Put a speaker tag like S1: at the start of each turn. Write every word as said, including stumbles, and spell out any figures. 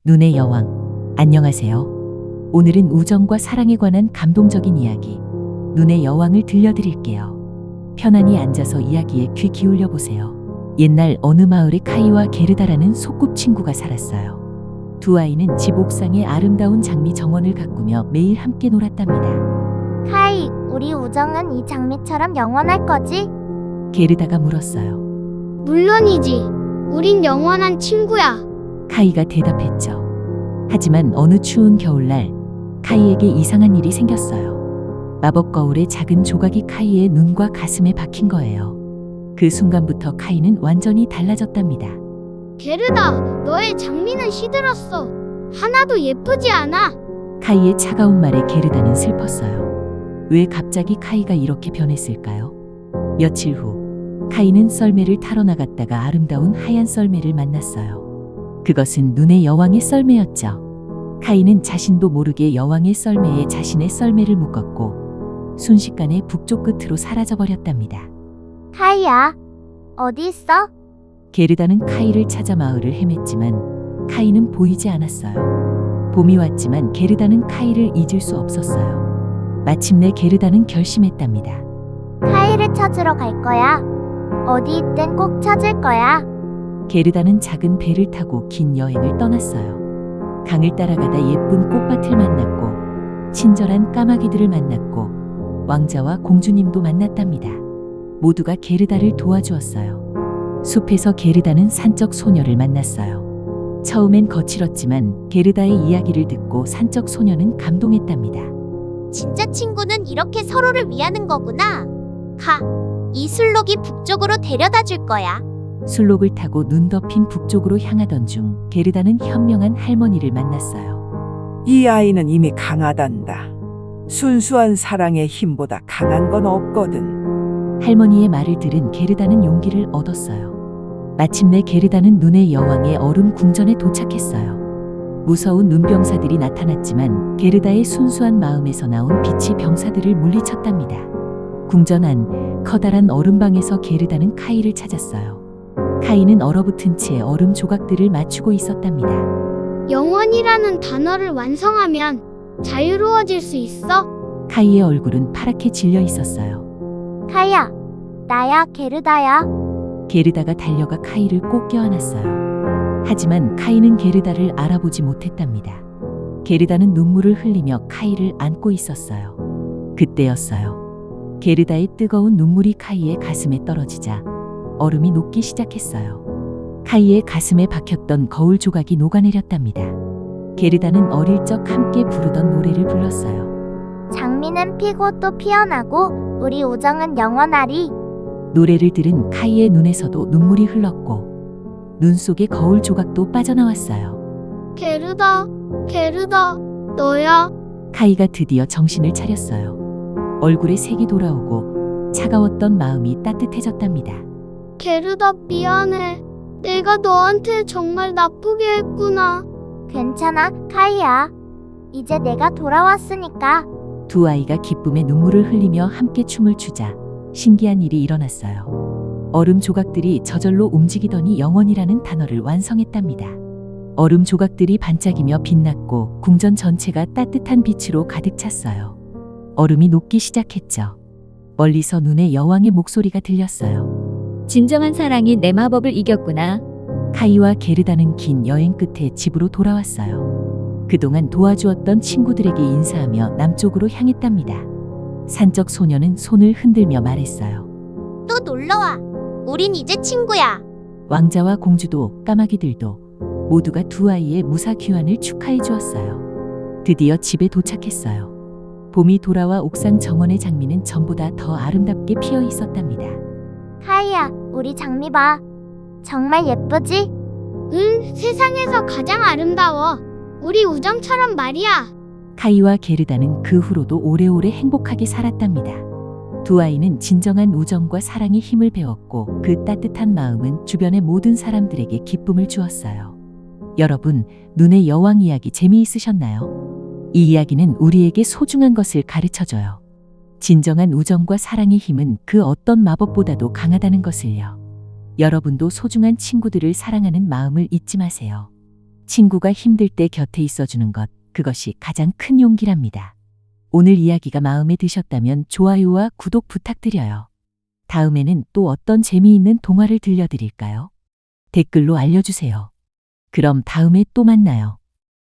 S1: 눈의 여왕, 안녕하세요. 오늘은 우정과 사랑에 관한 감동적인 이야기, 눈의 여왕을 들려드릴게요. 편안히 앉아서 이야기에 귀 기울여 보세요. 옛날 어느 마을에 카이와 게르다라는 소꿉친구가 살았어요. 두 아이는 집 옥상에 아름다운 장미 정원을 가꾸며 매일 함께 놀았답니다.
S2: 카이, 우리 우정은 이 장미처럼 영원할 거지?
S1: 게르다가 물었어요.
S3: 물론이지. 우린 영원한 친구야.
S1: 카이가 대답했죠. 하지만 어느 추운 겨울날 카이에게 이상한 일이 생겼어요. 마법 거울의 작은 조각이 카이의 눈과 가슴에 박힌 거예요. 그 순간부터 카이는 완전히 달라졌답니다.
S3: 게르다, 너의 장미는 시들었어. 하나도 예쁘지 않아.
S1: 카이의 차가운 말에 게르다는 슬펐어요. 왜 갑자기 카이가 이렇게 변했을까요? 며칠 후 카이는 썰매를 타러 나갔다가 아름다운 하얀 썰매를 만났어요. 그것은 눈의 여왕의 썰매였죠. 카이는 자신도 모르게 여왕의 썰매에 자신의 썰매를 묶었고 순식간에 북쪽 끝으로 사라져버렸답니다.
S2: 카이야, 어디 있어?
S1: 게르다는 카이를 찾아 마을을 헤맸지만 카이는 보이지 않았어요. 봄이 왔지만 게르다는 카이를 잊을 수 없었어요. 마침내 게르다는 결심했답니다.
S2: 카이를 찾으러 갈 거야. 어디 있든 꼭 찾을 거야.
S1: 게르다는 작은 배를 타고 긴 여행을 떠났어요. 강을 따라가다 예쁜 꽃밭을 만났고 친절한 까마귀들을 만났고 왕자와 공주님도 만났답니다. 모두가 게르다를 도와주었어요. 숲에서 게르다는 산적 소녀를 만났어요. 처음엔 거칠었지만 게르다의 이야기를 듣고 산적 소녀는 감동했답니다.
S4: 진짜 친구는 이렇게 서로를 위하는 거구나. 가, 이 술록이 북쪽으로 데려다 줄 거야.
S1: 술록을 타고 눈 덮인 북쪽으로 향하던 중 게르다는 현명한 할머니를 만났어요.
S5: 이 아이는 이미 강하단다. 순수한 사랑의 힘보다 강한 건 없거든.
S1: 할머니의 말을 들은 게르다는 용기를 얻었어요. 마침내 게르다는 눈의 여왕의 얼음 궁전에 도착했어요. 무서운 눈병사들이 나타났지만 게르다의 순수한 마음에서 나온 빛이 병사들을 물리쳤답니다. 궁전 안 커다란 얼음방에서 게르다는 카이를 찾았어요. 카이는 얼어붙은 채 얼음 조각들을 맞추고 있었답니다.
S3: 영원이라는 단어를 완성하면 자유로워질 수 있어?
S1: 카이의 얼굴은 파랗게 질려 있었어요.
S2: 카이야, 나야, 게르다야.
S1: 게르다가 달려가 카이를 꼭 껴안았어요. 하지만 카이는 게르다를 알아보지 못했답니다. 게르다는 눈물을 흘리며 카이를 안고 있었어요. 그때였어요. 게르다의 뜨거운 눈물이 카이의 가슴에 떨어지자 얼음이 녹기 시작했어요. 카이의 가슴에 박혔던 거울 조각이 녹아내렸답니다. 게르다는 어릴 적 함께 부르던 노래를 불렀어요.
S2: 장미는 피고 또 피어나고 우리 우정은 영원하리.
S1: 노래를 들은 카이의 눈에서도 눈물이 흘렀고 눈 속에 거울 조각도 빠져나왔어요.
S3: 게르다, 게르다, 너야.
S1: 카이가 드디어 정신을 차렸어요. 얼굴에 색이 돌아오고 차가웠던 마음이 따뜻해졌답니다.
S3: 게르다, 미안해. 내가 너한테 정말 나쁘게 했구나.
S2: 괜찮아, 카이야. 이제 내가 돌아왔으니까.
S1: 두 아이가 기쁨에 눈물을 흘리며 함께 춤을 추자 신기한 일이 일어났어요. 얼음 조각들이 저절로 움직이더니 영원이라는 단어를 완성했답니다. 얼음 조각들이 반짝이며 빛났고 궁전 전체가 따뜻한 빛으로 가득 찼어요. 얼음이 녹기 시작했죠. 멀리서 눈의 여왕의 목소리가 들렸어요.
S6: 진정한 사랑이 내 마법을 이겼구나.
S1: 카이와 게르다는 긴 여행 끝에 집으로 돌아왔어요. 그동안 도와주었던 친구들에게 인사하며 남쪽으로 향했답니다. 산적 소녀는 손을 흔들며 말했어요.
S4: 또 놀러와. 우린 이제 친구야.
S1: 왕자와 공주도 까마귀들도 모두가 두 아이의 무사 귀환을 축하해 주었어요. 드디어 집에 도착했어요. 봄이 돌아와 옥상 정원의 장미는 전보다 더 아름답게 피어 있었답니다.
S2: 카이야, 우리 장미 봐. 정말 예쁘지?
S3: 응, 세상에서 가장 아름다워. 우리 우정처럼 말이야.
S1: 카이와 게르다는 그 후로도 오래오래 행복하게 살았답니다. 두 아이는 진정한 우정과 사랑의 힘을 배웠고 그 따뜻한 마음은 주변의 모든 사람들에게 기쁨을 주었어요. 여러분, 눈의 여왕 이야기 재미있으셨나요? 이 이야기는 우리에게 소중한 것을 가르쳐줘요. 진정한 우정과 사랑의 힘은 그 어떤 마법보다도 강하다는 것을요. 여러분도 소중한 친구들을 사랑하는 마음을 잊지 마세요. 친구가 힘들 때 곁에 있어주는 것, 그것이 가장 큰 용기랍니다. 오늘 이야기가 마음에 드셨다면 좋아요와 구독 부탁드려요. 다음에는 또 어떤 재미있는 동화를 들려드릴까요? 댓글로 알려주세요. 그럼 다음에 또 만나요.